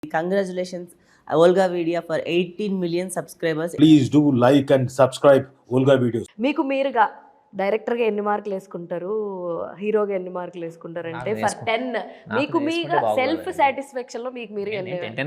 Congratulations, Olga Vidya, for 18 million subscribers. Please do like and subscribe Olga Videos. మీకు మీరుగా డైరెక్టర్గా ఎన్ని మార్కులు వేసుకుంటారు, హీరోగా ఎన్ని మార్కులు వేసుకుంటారు అంటే ఫర్ 10 మీకు మీగా సెల్ఫ్ సాటిస్ఫాక్షన్ లో మీకు మీరు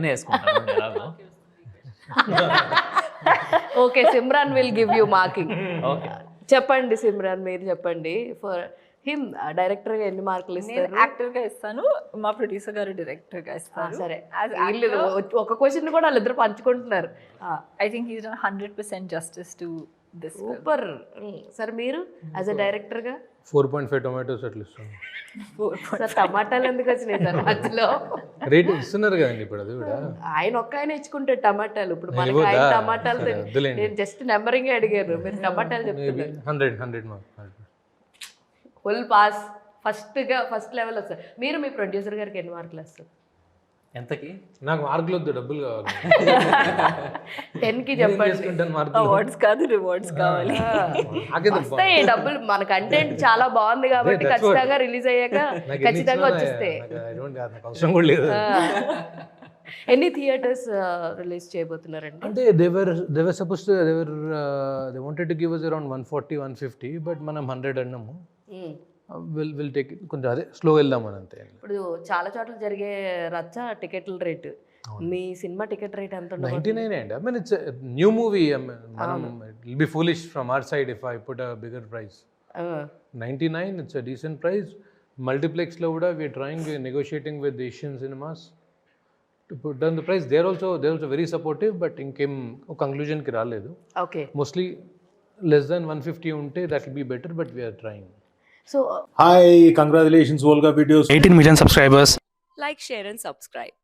okay Simran will give you marking. చెప్పండి సిమ్రాన్, మీరు చెప్పండి. ఫర్ హిమ్ డైరెక్టర్ గా ఎన్ని మార్కులు ఇస్తారు? యాక్టర్ గా ఇస్తాను, మా ప్రొడ్యూసర్ గారు డైరెక్టర్ గా ఇస్తారు. సరే, ఒక క్వశ్చన్ కూడా వాళ్ళిద్దరు పంచుకుంటున్నారు. I think he's done 100% justice to this. Super. సరే మీరు యాజ్ అ డైరెక్టర్ గా 4.5 టొమాటోస్ అట్లా ఇస్తాను. సార్ టమాటాలు ఎందుకు వచ్చినాయి సార్ మధ్యలో? రేట్ ఇస్తున్నారు కదండి ఇప్పుడు, అది కూడా ఆయన ఒక్క ఆయన ఇచ్చుకుంటే టమాటాలు. ఇప్పుడు మనకి ఆయన టమాటాలు నేను జస్ట్ నెంబరింగ్ అడిగాను, మీరు టమాటాలు చెప్తున్నారు. 100 mark full pass. First level వస్తారు. మీరు మీ ప్రొడ్యూసర్ గారికి ఎన్ని మార్కులు వస్తారు? ఎంతకి? నాకు మార్కులు వద్దు, డబ్బులు కావాలి. 10కి చెప్పండి. అవార్డ్స్ కాదు, రివార్డ్స్ కావాలి. వస్తాయి డబ్బులు, మన కంటెంట్ చాలా బాగుంది కాబట్టి ఖచ్చితంగా రిలీజ్ అయ్యాక ఖచ్చితంగా వచ్చేస్తాయి. అవసరం కూడా లేదు. ఎన్ని థియేటర్స్ రిలీజ్ చేయబోతున్నారండి? అంటే they were supposed to they wanted to give us around 140-150, but మనం 100 అన్నాము. విల్ టేక్ ఇట్, కొంచెం అదే స్లో వెళ్దామని అంతే. ఇప్పుడు చాలా చోట్ల జరిగే రచ్చ టికెట్ల రేటు, మీ సినిమా టికెట్ రేట్ ఎంత? 99 అండి. I mean it's new movie. మనం it will be foolish from our side if I put a bigger price. 99 it's a decent price. Multiplex లో కూడా we are trying, negotiating with Asian Cinemas to put down the price. They are also very supportive, but ఇంకేం ఒక conclusion కి రాలేదు. Okay, mostly less than 150 ఉంటే that will be better, but we are trying. So Hi, congratulations Olga Videos. 18 million subscribers. Like, share and subscribe.